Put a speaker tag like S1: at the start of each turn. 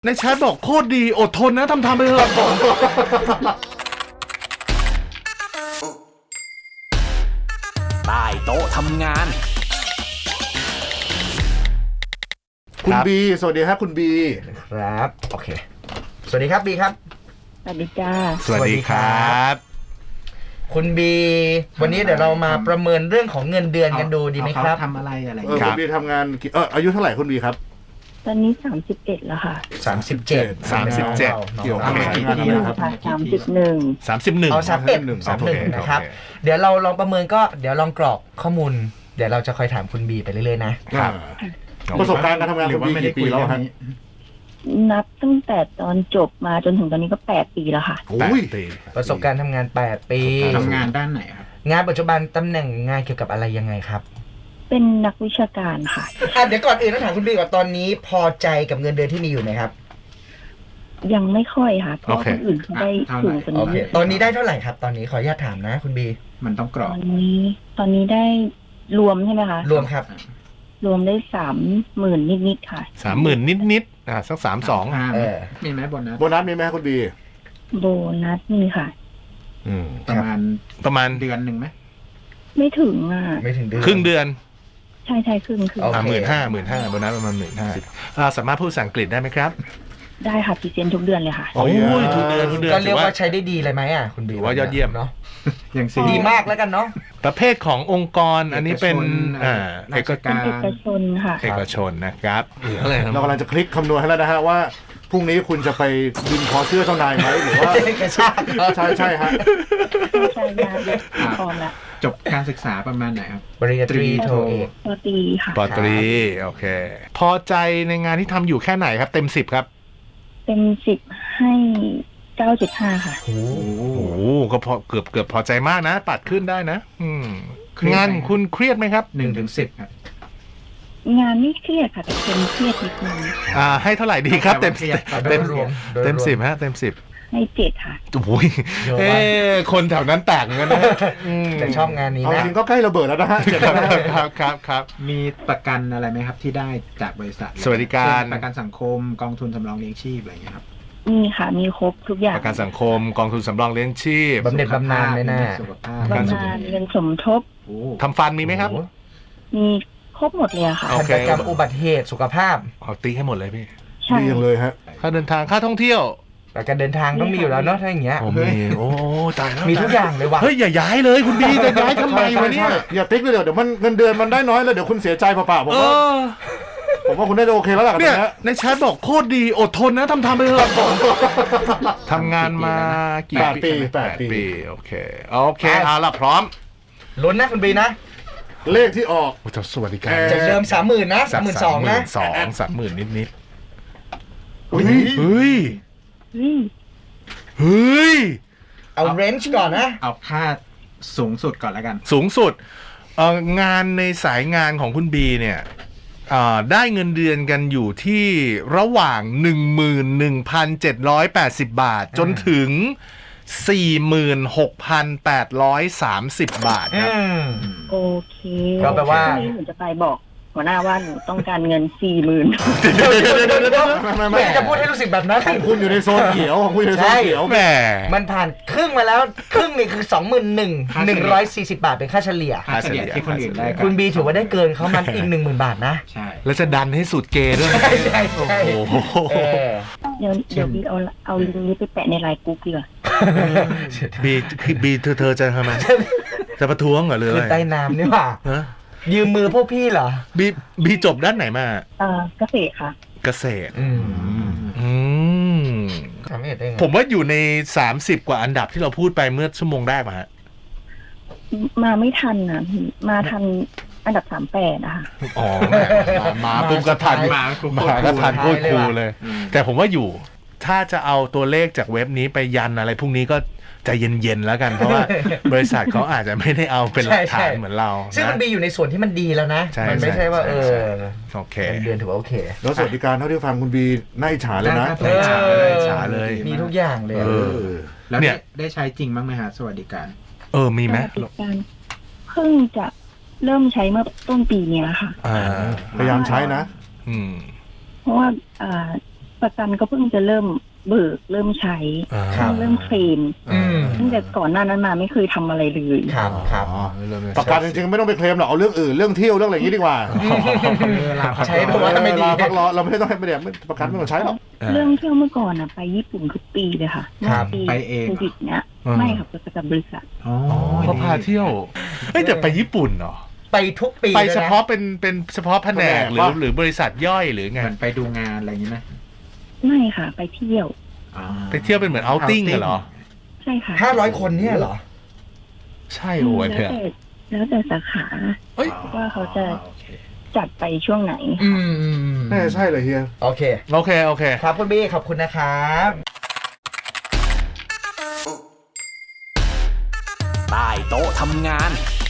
S1: ในแชทบอกโคตรดีอดทนนะทำไปเถอะ
S2: ใต้โต๊ะทำงาน
S3: คุณบีสวัสดีครับคุณบี
S4: ครับโอเคสวัสดีครับบีครับ
S5: สวัสดีจ้า
S1: สวัสดีครับ
S4: คุณบีวันนี้เดี๋ยวเรามาประเมินเรื่องของเงินเดือนกันดูดีไหมครับ
S3: ทำอะไรคุณบีทำงานอายุเท่าไหร่คุณบีครับ
S5: ตอนนี้31แล้วค่ะ
S4: 37
S1: เกี่ยวกับ
S5: งานอะไรครับ31
S4: เอา31นะครับเดี๋ยวเราลองประเมินก็เดี๋ยวลองกรอกข้อมูลเดี๋ยวเราจะคอยถามคุณบีไปเรื่อยๆนะครับ
S3: ประสบการณ์การทำงานคุณบีกี่ปีแล้วครับ
S5: นับตั้งแต่ตอนจบมาจนถึงตอนนี้ก็8ปีแล้วค่ะ
S4: ประสบการณ์ทำงาน8ปี
S3: ทำงานด้านไหนครับ
S4: งานปัจจุบันตำแหน่งงานเกี่ยวกับอะไรยังไงครับ
S5: เป็นนักวิชาการค่ะ
S4: เดี๋ยวก่อนอื่นต้องถามคุณบีก่อนตอนนี้พอใจกับเงินเดือนที่มีอยู่ไหมครับ
S5: ยังไม่ค่อยค่ะเพราะคนอื่นเขาได้สูงกว่านี้
S4: ตอนนี้ได้เท่าไหไหร่ครับตอนนี้ขออนุญาตถามนะคุณบี
S3: มันต้องกรอก
S5: ตอนนี้ได้รวมใช่ไหมคะ
S4: รวมครับ
S5: รวมได้30,000นิดๆค่ะ
S1: 30,000นิดสัก32
S3: มีไหมโบนัสมีไหมคุณบี
S5: โบนัสมีค่ะ
S3: ประมาณเดือนหนึ่งไหม
S5: ไม่ถึง
S4: ไม่ถึงเดือน
S1: ครึ่งเดือน
S5: ใช่ครึ่ง
S1: 15,000โบนัสประมาณ15,000สามารถพูดภาษาอังกฤษได้ไหมครับ
S5: ได้ค่ะพรีเซนต์ทุกเดือนเลยค่ะ
S1: โอ้ยทุกเดือน
S4: ก็เรียกว่าใช้ได้ดีเลยไหมคุณบี
S1: ว่ายอดเยี่ยม
S4: เนาะ
S3: อย่าง
S4: ดีมากแล้วกันเนาะ
S1: ประเภทขององค์กรอันนี้เป็น
S5: เอกชนค่ะ
S1: เอกชนนะครับ
S3: เรากำลังจะคลิกคำนวณให้แล้วนะฮะว่าพรุ่งนี้คุณจะไปบินคอเสื้อเจ้านายไหมหรือว่าใช่ฮะ
S5: ใช่ยาเยอะพอละ
S3: จบการศึกษาประมาณไหนครับ
S4: ปริญญาตรีโทเอก
S5: ปตรีค่ะ
S1: ปตรีโอเคพอใจในงานที่ทำอยู่แค่ไหนครับเต็ม10ครับ
S5: เต็ม10ให้9.5ค่ะ
S1: โอ้โหก็พอเกือบพอใจมากนะปัดขึ้นได้นะงานคุณเครียดไหมครับ
S3: 1-10ครับ
S5: งานไม่เครียดค่ะแต่เป็นเครียดนิดนึง
S1: ให้เท่าไหร่ดีครับเต็ม10ฮะเต็ม10
S5: ให้7ค่ะ
S1: โอ้ยคนแถวนั้นแตกเหมือนกันนะ
S4: แต่ชอบงานนี้นะ
S3: จริงก็ใกล้ระเบิดแล้วนะฮะ
S1: ครับ
S3: มีประกันอะไรไหมครับที่ได้จากบริษัท
S1: สวัสดิการ
S3: ประกันสังคมกองทุนสำรองเลี้ยงชีพอะไรอย่างเงี้ยครับ
S5: มีค่ะมีครบทุกอย่าง
S1: ประกันสังคมกองทุนสำรองเลี้ยงชีพ
S4: บำเหน็จบำนาญไม่น่า
S5: บำนาญเงินสมทบ
S1: ทำฟันมีไหมครับ
S5: มีครบหมดเลยค่ะ
S4: กิจกรรมอุบัติเหตุสุขภาพ
S1: เอาตีให้หมดเลยพี่
S3: ดีอย่างเลยฮะ
S1: ค่าเดินทางค่าท่องเที่ยว
S4: แต่การเดินทางต้องมีอยู่แล้วเนาะถ้าอย่างเงี้ย
S1: โอ้ตายแล้ว
S4: มีทุกอย่างเลยว่ะ
S1: เฮ้ยอย่าย้ายเลยคุณบีจะย้ายทำไมวะเนี่ย
S3: อย่าติ๊กเลยเดี๋ยวมันเงินเดือนมันได้น้อยแล้วเดี๋ยวคุณเสียใจเปล่าๆผมว่าคุณได้โอเคแล้วล่ะ
S1: เนี่ยในแชทบอกโคตรดีอดทนนะทำไปเถอะทำงานมากี่ปี8 ปีโอเคเอาละพร้อม
S4: ลุ้นนะคุณบีนะ
S3: เลขที่ออก
S1: จะสวัสดิการ
S4: จากเดิม30,000นะ32,000นะ
S1: 30,000นิด
S3: เ
S1: ฮ้ย
S4: เอาเรนจ์ก่อนนะ
S3: เอาค่าสูงสุดก่อนแล้วกัน
S1: สูงสุดงานในสายงานของคุณบีเนี่ยได้เงินเดือนกันอยู่ที่ระหว่าง 11,780 บาทจนถึง 46,830 บาทครับ
S5: โอเคก็แปลว่าหนูจะไปบอกหัวหน้าว่าหนูต้องการเงิน 40,000
S4: ไม่จะพูดให้รู้สึกแบบนั้น
S3: ของคุณอยู่ในโซนเขียวของคุณอยู่ในโซนเขียว
S1: แหม
S4: มันผ่านครึ่งมาแล้วครึ่งนี่คือ 21,140 บาทเป็นค่าเฉลี่ย
S3: ที่คนอื่นได้
S4: คุณบีถือว่าได้เกินเขามันอีก 10,000 บาทนะ
S3: ใช่
S1: แล้วจะดันให้สุดเกย์ด้วย
S4: ใช่
S1: โอ้โห
S5: เดี๋ยวบีเอาลิงก์นี้ไปแปะในไลน์กรุ๊ปดีกว่า
S1: บีเธอจะทำไมจะประท้วงเหรอเลย
S4: ใต้น้ำนี่หว่ายืมมือพวกพี่เหรอ
S1: บีจบด้านไหนมา
S5: เกษตรค่ะ
S1: เกษตรผมว่าอยู่ใน30กว่าอันดับที่เราพูดไปเมื่อชั่วโมงแรกมาฮะ
S5: มาไม่ทันนะมาทันอันดับ38นะคะ
S1: มาปุ๊บก็ทันก็ทันพูดครูเลยแต่ผมว่าอยู่ถ้าจะเอาตัวเลขจากเว็บนี้ไปยันอะไรพรุ่งนี้ก็ใจเย็นๆแล้วกันเพราะว่าบริษัทเขาอาจจะไม่ได้เอาเป็นหลักฐานเหมือนเรา
S4: ซึ่งมันบีอยู่ในส่วนที่มันดีแล้วนะมันไม่ใช่ว่า
S1: โอเค
S4: เดือนถือว่าโอเค
S3: แล้วสวัสดิการเท่าที่ฟังคุณบีน่าอิจฉาเลยนะ
S1: อิจฉาเลย
S4: มีทุกอย่างเลย
S3: แล้วเนี่ยได้ใช้จริงบ้างไหมฮะสวัสดิการ
S1: มีไหม
S5: สวัสดิการเพิ่งจะเริ่มใช้เมื่อต้นปีนี้ค่ะ
S3: พยายามใช้นะ
S5: เพราะว่าประกันก็เพิ่งจะเริ่มเบิกเริ่มใช้
S4: ครับ
S5: เริ่มเคลม ตั้งแต่ก่อนหน้านั้นมาไม่เคยทำอะไรเลย
S4: ครับครับ
S3: อ๋อประกันจริงๆไม่ต้องไปเคลมหรอกเอาเรื่องอื่นเรื่องเที่ยวเรื่องอะไรอย่างนี้ดีกว่า
S4: ใช้เพราะว่าไม่ดี
S3: ลาพักร้อนเราไม่ต้องให้ไม่ได้ประกันไม่ต้องใช้หรอก
S5: เรื่องเที่ยวเมื่อก่อนไปญี่ปุ่นทุกปีเลยค่ะ
S4: ครับ
S5: ปี
S6: ไปเอง
S5: โควิดเนี้ยไม่ค่ะไปกับบริษัท
S6: อ๋อ
S1: เขาพาเที่ยวเฮ้ยแต่ไปญี่ปุ่นเหรอ
S4: ไปทุกปี
S1: ไป
S4: ลยน
S1: เฉพาะเป็นเฉพาะแผนกหรือบริษัทย่อยหรือไง
S6: เหมือนไปดูงานอะไรอย่างนี้ไหม
S5: ไม่ค่ะ ไปเที่ยว
S6: อ๋อ
S1: ไปเที่ยวเป็นเหมือนเอาติ้งเหรอ
S5: ใช่ค่ะ
S4: 500 คนเนี่ยเหรอ
S1: ใช่โอ้ยเนี่ย
S5: แล้วแต่สาขา
S1: เอ้ย
S5: ว่าเขาจะ
S6: โอเค
S5: จัดไปช่วงไหน
S3: น่าจะใช่เลยเฮีย
S4: โอเค
S1: โอเคโอเค
S4: ครับคุณบี้ขอบคุณนะครับ
S2: ใต้โต๊ะทำงาน